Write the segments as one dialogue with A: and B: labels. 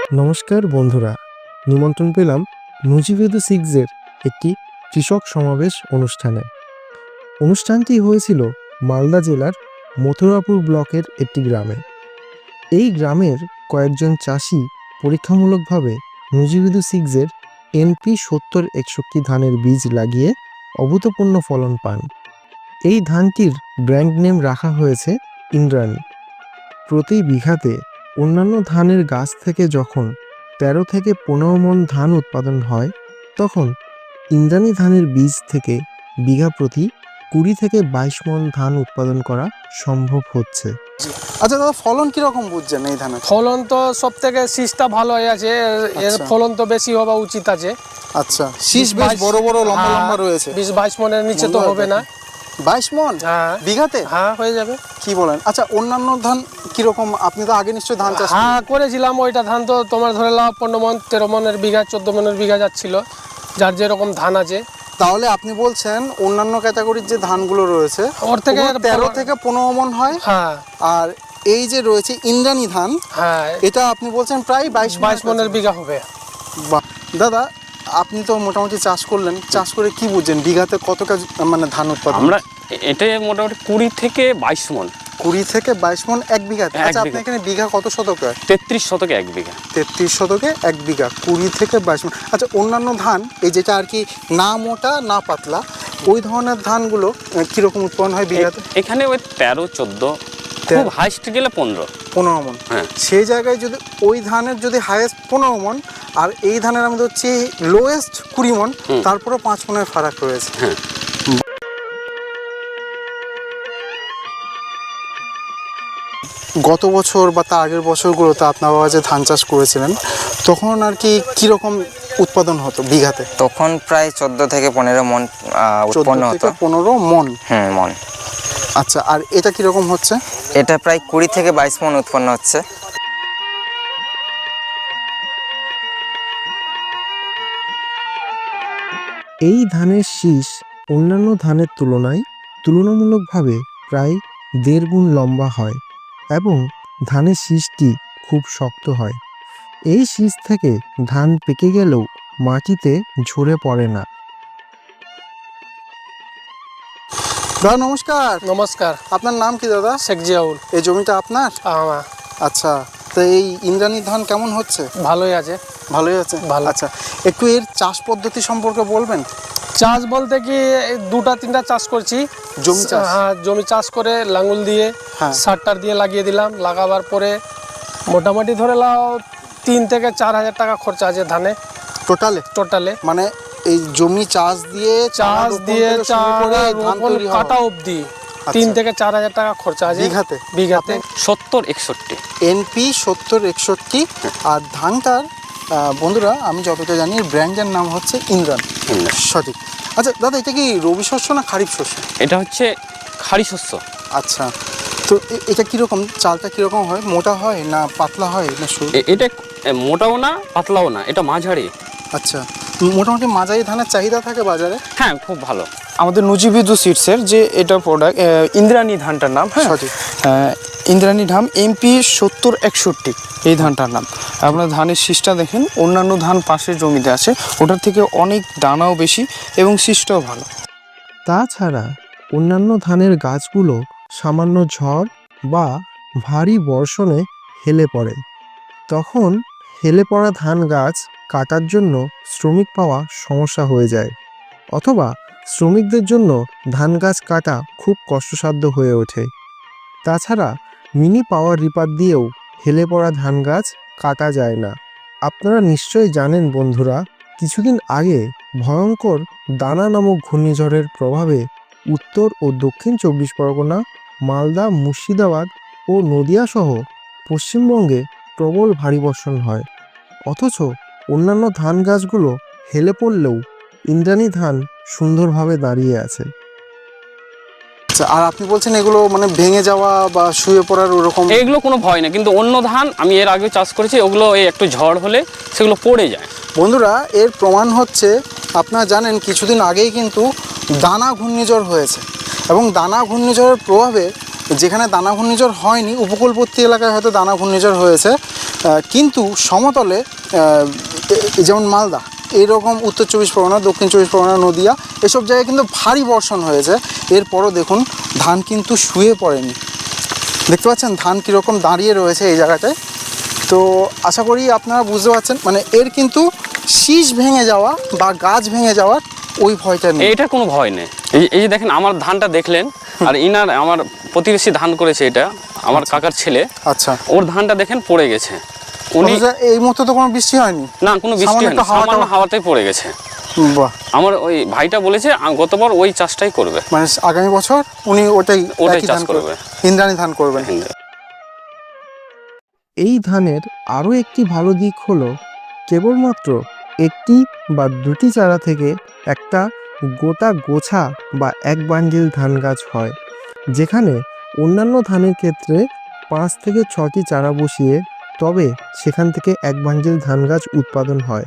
A: নমস্কার বন্ধুরা, নিমন্ত্রণ পেলাম নুজিভেদু সিক্সের একটি কৃষক সমাবেশ অনুষ্ঠানে। অনুষ্ঠানটি হয়েছিল মালদা জেলার মথুরাপুর ব্লকের একটি গ্রামে। এই গ্রামের কয়েকজন চাষি পরীক্ষামূলকভাবে নুজিভেদু সিক্সের NP 7061 ধানের বীজ লাগিয়ে অভূতপূর্ণ ফলন পান। এই ধানটির ব্র্যান্ড নেম রাখা হয়েছে ইন্দ্রাণী। প্রতি বিঘাতে অন্যান্য ধানের গাছ থেকে যখন 13 থেকে 15 মণ ধান উৎপাদন হয়, তখন ইন্দ্রাণী ধানের বীজ থেকে বিঘা প্রতি 20 থেকে 22 মণ ধান উৎপাদন করা সম্ভব হচ্ছে।
B: আচ্ছা দাদা, ফলন কিরকম বুঝছেন এই ধানের?
C: ফলন তো সব থেকে শীষটা ভালো হয়ে আছে, এর ফলন তো বেশি হওয়া উচিত আছে।
B: আচ্ছা, শীষ বেশ বড় বড় লম্বা লম্বা রয়েছে।
C: 20-22 মণের নিচে তো হবে না।
B: 22 মণ বিঘাতে?
C: হ্যাঁ, হয়ে যাবে।
B: কি বলেন? আচ্ছা, অন্যান্য ধান কিরকম? আপনি তো আগে নিশ্চয়ই ধান চাষ
C: করেছিলাম। ওইটা ধান তো তোমার ধরে লাও 15 মণ, 13 মণের বিঘা, 14 মণের বিঘা যাচ্ছিল, যার যেরকম ধান আছে।
B: তাহলে আপনি বলছেন অন্যান্য ক্যাটাগরির যে ধানগুলো রয়েছে
C: ওর থেকে
B: 13 থেকে 15 মণ হয়।
C: হ্যাঁ,
B: আর এই যে রয়েছে ইন্দ্রাণী ধান,
C: হ্যাঁ,
B: এটা আপনি বলছেন প্রায় 22
C: মণের বিঘা হবে।
B: বাহ দাদা, আপনি তো মোটামুটি চাষ করলেন, চাষ করে কি বুঝছেন বিঘাতে কত মানে ধান উৎপাদন?
D: আমরা এটা মোটামুটি 20 থেকে 22 মণ।
B: 20 থেকে 22 মণ এক বিঘাতে? আচ্ছা, আপনি এখানে বিঘা কত শতকে?
D: 33 শতকে এক বিঘা।
B: 33 শতকে এক বিঘা, 20 থেকে 22 মণ। আচ্ছা, অন্যান্য ধান এই যেটা আর কি না মোটা না পাতলা, ওই ধরনের ধানগুলো কিরকম উৎপন্ন হয় বিঘাতে?
D: এখানে ওই 13-14, খুব হাইস্ট গেলে 15
B: মণ।
D: হ্যাঁ,
B: সেই জায়গায় যদি ওই ধানের যদি হাইয়েস্ট 15 মণ আর এই ধানের আমাদের হচ্ছে লোয়েস্ট 20 মণ, তারপরে 5 মণের ফারাক রয়েছে।
D: হ্যাঁ।
B: গত বছর বা তার আগের বছরগুলোতে আপনার বাবা যে ধান চাষ করেছিলেন, তখন আর কি কিরকম উৎপাদন হতো বিঘাতে?
E: তখন প্রায় 14 থেকে 15 মণ উৎপন্ন হতো।
B: 15 মণ?
E: মণ।
B: আচ্ছা, আর এটা কিরকম হচ্ছে?
E: এটা প্রায় 20 থেকে 22 মণ উৎপন্ন হচ্ছে।
A: এই ধানের শীষ অন্যান্য ধানের তুলনায় তুলনামূলকভাবে প্রায় 1.5 গুণ লম্বা হয় এবং ধানের শীষটি খুব শক্ত হয়। এই শীষ থেকে ধান পেকে গেলেও মাটিতে ঝরে পড়ে না।
B: দাদা নমস্কার।
C: নমস্কার।
B: আপনার নাম কি দাদা?
C: শেখ জিয়াউল।
B: এই জমিটা আপনার?
C: আমার।
B: আচ্ছা, তো এই ইন্দ্রাণী ধান কেমন হচ্ছে?
C: ভালোই আছে।
B: ভালোই আছে?
C: ভালো।
B: আচ্ছা, একটু এর চাষ পদ্ধতি সম্পর্কে বলবেন?
C: চাষ বলতে কি, 2-3টা চাষ করছি।
B: জমি চাষ?
C: হ্যাঁ, জমি চাষ করে লাঙ্গুল দিয়ে সার দিয়ে লাগিয়ে দিলাম। লাগাবার পরে মোটামুটি ধরে লাও 3 থেকে 4 হাজার টাকা খরচা আছে ধানে টোটালে। মানে
B: এই জমি চাষ দিয়ে
C: কাটা অবধি 3 থেকে 4 হাজার টাকা খরচা আছে বিঘাতে।
D: 70-61
B: NP 70-61। আর ধানটার বন্ধুরা আমি যতটা জানি ব্র্যান্ডের নাম হচ্ছে ইন্দ্রাণী। সঠিক। আচ্ছা দাদা, এটা কি রবি শস্য না খারিফ শস্য?
D: এটা হচ্ছে খাড়ি শস্য।
B: আচ্ছা, তো এটা কিরকম, চালটা কিরকম হয়? মোটা হয় না পাতলা হয় না সরু?
D: এটা মোটাও না পাতলাও না, এটা মাঝারি।
B: আচ্ছা, মোটামুটি মাঝারি ধানের চাহিদা থাকে বাজারে?
D: হ্যাঁ, খুব ভালো।
F: আমাদের নুজিভেদু সিডসের যে এটা প্রোডাক্ট, ইন্দ্রাণী ধানটার নাম। হ্যাঁ,
B: সঠিক।
F: ইন্দ্রাণী ধান MP 70-61 এই ধানটার নাম। আপনার ধানের শীষটা দেখেন, অন্যান্য ধান পাশের জমিতে আছে, ওটার থেকে অনেক দানাও বেশি এবং শীষটাও ভালো।
A: তাছাড়া অন্যান্য ধানের গাছগুলো সামান্য ঝড় বা ভারী বর্ষণে হেলে পড়ে। তখন হেলে পড়া ধান গাছ কাটার জন্য শ্রমিক পাওয়া সমস্যা হয়ে যায়, অথবা শ্রমিকদের জন্য ধান গাছ কাটা খুব কষ্টসাধ্য হয়ে ওঠে। তাছাড়া মিনি পাওয়ার রিপার দিয়েও হেলে পড়া ধান গাছ কাটা যায় না। আপনারা নিশ্চয়ই জানেন বন্ধুরা, কিছুদিন আগে ভয়ঙ্কর দানা নামক ঘূর্ণিঝড়ের প্রভাবে উত্তর ও দক্ষিণ 24 পরগনা, মালদা, মুর্শিদাবাদ ও নদিয়া সহ পশ্চিমবঙ্গে প্রবল ভারী বর্ষণ হয়। অথচ অন্যান্য ধান গাছগুলো হেলে পড়লেও ইন্দ্রাণী ধান সুন্দরভাবে দাঁড়িয়ে আছে।
B: আচ্ছা, আর আপনি বলছেন এগুলো মানে ভেঙে যাওয়া বা শুয়ে পড়ার ওরকম?
D: এগুলো কোনো ভয় না, কিন্তু অন্য ধান আমি এর আগে চাষ করেছি, ওগুলো এই একটু ঝড় হলে সেগুলো পড়ে যায়।
B: বন্ধুরা, এর প্রমাণ হচ্ছে, আপনারা জানেন কিছুদিন আগেই কিন্তু দানা ঘূর্ণিঝড় হয়েছে, এবং দানা ঘূর্ণিঝড়ের প্রভাবে যেখানে দানা ঘূর্ণিঝড় হয়নি, উপকূলবর্তী এলাকায় হয়তো দানা ঘূর্ণিঝড় হয়েছে, কিন্তু সমতলে যেমন মালদা, এইরকম উত্তর 24 পরগনা, দক্ষিণ 24 পরগনা, নদিয়া এসব জায়গায় কিন্তু ভারী বর্ষণ হয়েছে। এরপরও দেখুন ধান কিন্তু শুয়ে পড়েনি। দেখতে পাচ্ছেন ধান কীরকম দাঁড়িয়ে রয়েছে এই জায়গাটায়। তো আশা করি আপনারা বুঝতে পারছেন, মানে এর কিন্তু শীষ ভেঙে যাওয়া বা গাছ ভেঙে যাওয়ার ওই ভয়টা নেই।
D: এটা কোনো ভয় নেই। এই যে দেখেন আমার ধানটা দেখলেন, আর ইনার আমার প্রতিবেশী ধান করেছে, এটা আমার কাকার ছেলে।
B: আচ্ছা,
D: ওর ধানটা দেখেন পড়ে গেছে। উনি
B: এই মুহূর্তে তো কোনো বৃষ্টি হয়নি?
D: না, কোনো বৃষ্টি হয়নি, সামান্য হাওয়াতেই পড়ে গেছে।
B: বাহ,
D: আমার ওই ভাইটা বলেছে গতবার ওই চাষটাই করবে,
B: মানে আগামী বছর উনি ওটাই
D: চাষ করবে,
B: ইন্দ্রাণী ধান করবেন।
A: এই ধানের আরও একটি ভালো দিক হলো কেবলমাত্র একটি বা দুটি চারা থেকে একটা গোটা গোছা বা এক বান্ডিল ধান গাছ হয়, যেখানে অন্যান্য ধানের ক্ষেত্রে 5 থেকে 6টি চারা বসিয়ে তবে সেখান থেকে এক বান্ডিল ধান গাছ উৎপাদন হয়।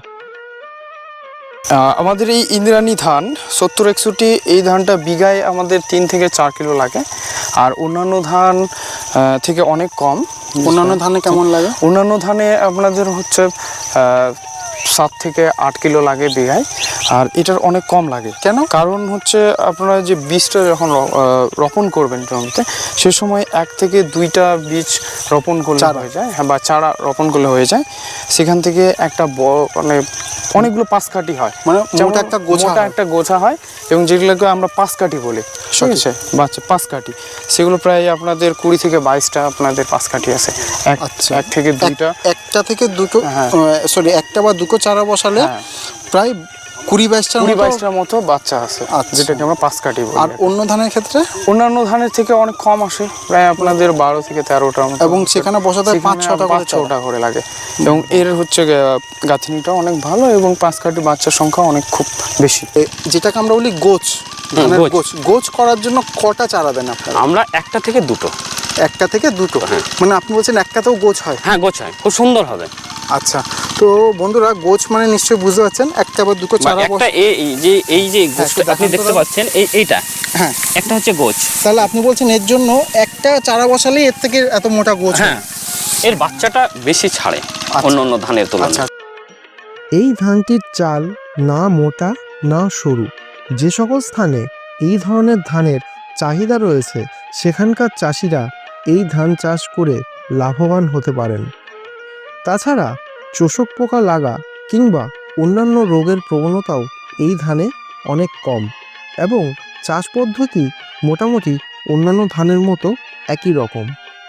F: আমাদের এই ইন্দ্রাণী ধান 70-61 এই ধানটা বিঘায় আমাদের 3 থেকে 4 কিলো লাগে, আর অন্যান্য ধান থেকে অনেক কম।
B: অন্যান্য ধানে কেমন লাগে?
F: অন্যান্য ধানে আপনাদের হচ্ছে 7 থেকে 8 কিলো লাগে বিঘায়, আর এটার অনেক কম লাগে।
B: কেন?
F: কারণ হচ্ছে আপনারা যে বীজটা যখন রোপণ করবেন জমিতে, সে সময় 1 থেকে 2টা বীজ রোপণ করলে হয়ে যায়, হ্যাঁ, বা চারা রোপণ করলে হয়ে যায়। সেখান থেকে একটা মানে অনেকগুলো পাঁচকাঠি হয়,
B: মানে মোটা
F: একটা গোছা হয়, এবং যেগুলোকে আমরা পাঁচকাঠি বলি, ঠিক আছে, বাচ্চা পাঁচকাঠি। সেগুলো প্রায় আপনাদের 20 থেকে 22টা আপনাদের পাঁচকাঠি আছে। এক থেকে 2টা,
B: একটা থেকে দুটো, সরি, একটা বা দুটো চারা বসালে প্রায় 20-22টার
F: মতো বাচ্চা আছে, যেটাকে আমরা পাঁচকাঠি বলি।
B: আর অন্য ধানের ক্ষেত্রে?
F: অন্যান্য ধানের থেকে অনেক কম আসে, প্রায় আপনাদের 12 থেকে 13টার মতো,
B: এবং সেখানে বসাতে 5-6টা
F: করে লাগে। এবং এর হচ্ছে গাঁথনিটা অনেক ভালো, এবং পাঁচকাঠি বাচ্চার সংখ্যা অনেক খুব বেশি,
B: যেটাকে আমরা বলি গোছ। গোছ করার জন্য কটা চারা দেন আপনারা?
D: আমরা একটা থেকে দুটো।
B: একটা থেকে দুটো, মানে আপনি বলছেন একটাতেও গোছ হয়?
D: হ্যাঁ, গোছ হয়, খুব সুন্দর হবে।
B: আচ্ছা, তো বন্ধুরা গোছ মানে নিশ্চয়ই বুঝতে পারছেন, একটা বা দুটো চারা।
D: একটা এই যে গোছটা আপনি দেখতে পাচ্ছেন, এইটা, হ্যাঁ, একটা হচ্ছে গোছ।
B: তাহলে আপনি বলছেন এর জন্য একটা চারা বসালেই এর থেকে এত মোটা গোছ?
D: হ্যাঁ, এর বাচ্চাটা বেশি ছাড়ে অন্য ধানের তুলনায়।
A: এই ধানটির চাল না মোটা না সরু। যে সকল স্থানে এই ধরনের ধানের চাহিদা রয়েছে সেখানকার চাষিরা এই ধান চাষ করে লাভবান হতে পারেন। তাছাড়া চোষক পোকা লাগা কিংবা অন্যান্য রোগের প্রবণতাও এই ধানে অনেক কম, এবং চাষ পদ্ধতি মোটামুটি অন্যান্য ধানের মতো একই রকম।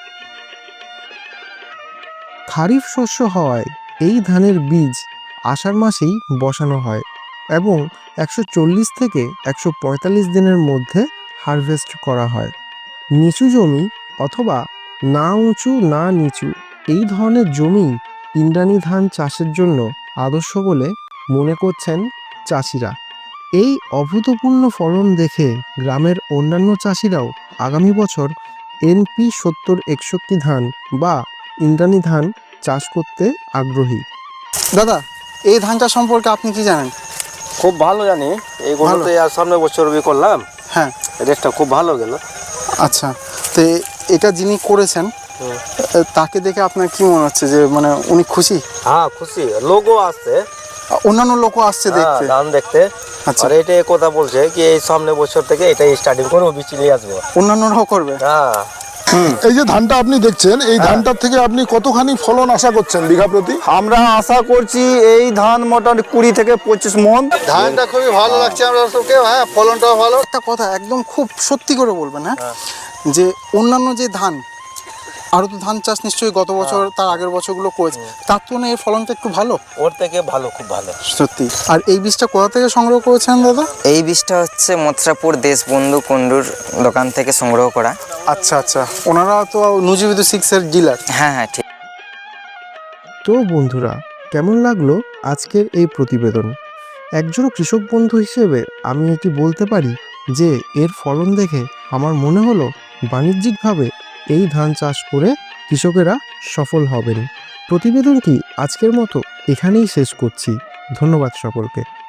A: খারিফ শস্য হওয়ায় এই ধানের বীজ আষাঢ় মাসেই বসানো হয় এবং 140 থেকে 145 দিনের মধ্যে হারভেস্ট করা হয়। নিচু জমি অথবা না উঁচু না নিচু এই ধরনের জমি ইন্দ্রাণী ধান চাষের জন্য আদর্শ বলে মনে করছেন চাষিরা। এই অভূতপূর্ণ ফলন দেখে গ্রামের অন্যান্য চাষিরাও আগামী বছর NP 70-61 ধান বা ইন্দ্রাণী ধান চাষ করতে আগ্রহী।
B: দাদা, এই ধানটা সম্পর্কে আপনি কি জানেন?
G: খুব ভালো জানি, এই গরুতে আর সামনে বছর করলাম।
B: হ্যাঁ,
G: রেটটা খুব ভালো গেল।
B: আচ্ছা, তো এটা যিনি করেছেন তাকে দেখে আপনার কি মনে হচ্ছে, যে মানে উনি খুশি?
G: হ্যাঁ, খুশি। লোকও আসছে,
B: অন্যান্য লোকও আসছে দেখতে,
G: ধান দেখতে।
B: আচ্ছা,
G: আর এইটাই কথা বলছে কি এই সামনে বছর থেকে এটাই স্টার্টিং করবো, বিচি নিয়ে আসবো।
B: অন্যান্যরাও করবে?
G: হ্যাঁ।
H: এই যে ধানটা আপনি দেখছেন, এই ধানটার থেকে আপনি কতখানি ফলন আশা করছেন বিঘা প্রতি?
G: আমরা আশা করছি এই ধান মোটামুটি 20 থেকে 25 মণ।
B: ধানটা খুবই ভালো লাগছে আমরা সবকে, হ্যাঁ, ফলনটাও ভালো। একটা কথা একদম খুব সত্যি করে বলবেন, হ্যাঁ, যে অন্যান্য যে ধান, আরও তো ধান চাষ নিশ্চয়ই গত বছর তার আগের বছরগুলো করেছে, তার তুলনায় এর ফলনটা একটু ভালো?
G: ওর থেকে ভালো, খুব ভালো,
B: সত্যি। আর এই বীজটা কোথা থেকে সংগ্রহ করেছেন দাদা?
E: এই বীজটা হচ্ছে মথুরাপুর দেশবন্ধু কুণ্ডুর দোকান থেকে সংগ্রহ করা।
B: আচ্ছা আচ্ছা, ওনারা তো নুজিবিদু 6-এর ডিলার।
E: হ্যাঁ হ্যাঁ, ঠিক।
A: তো বন্ধুরা, কেমন লাগলো আজকের এই প্রতিবেদন? একজন কৃষক বন্ধু হিসেবে আমি এটি বলতে পারি যে এর ফলন দেখে আমার মনে হলো বাণিজ্যিকভাবে এই ধান চাষ করে কৃষকেরা সফল হবেন। প্রতিবেদনটি আজকের মতো এখানেই শেষ করছি। ধন্যবাদ সকলকে।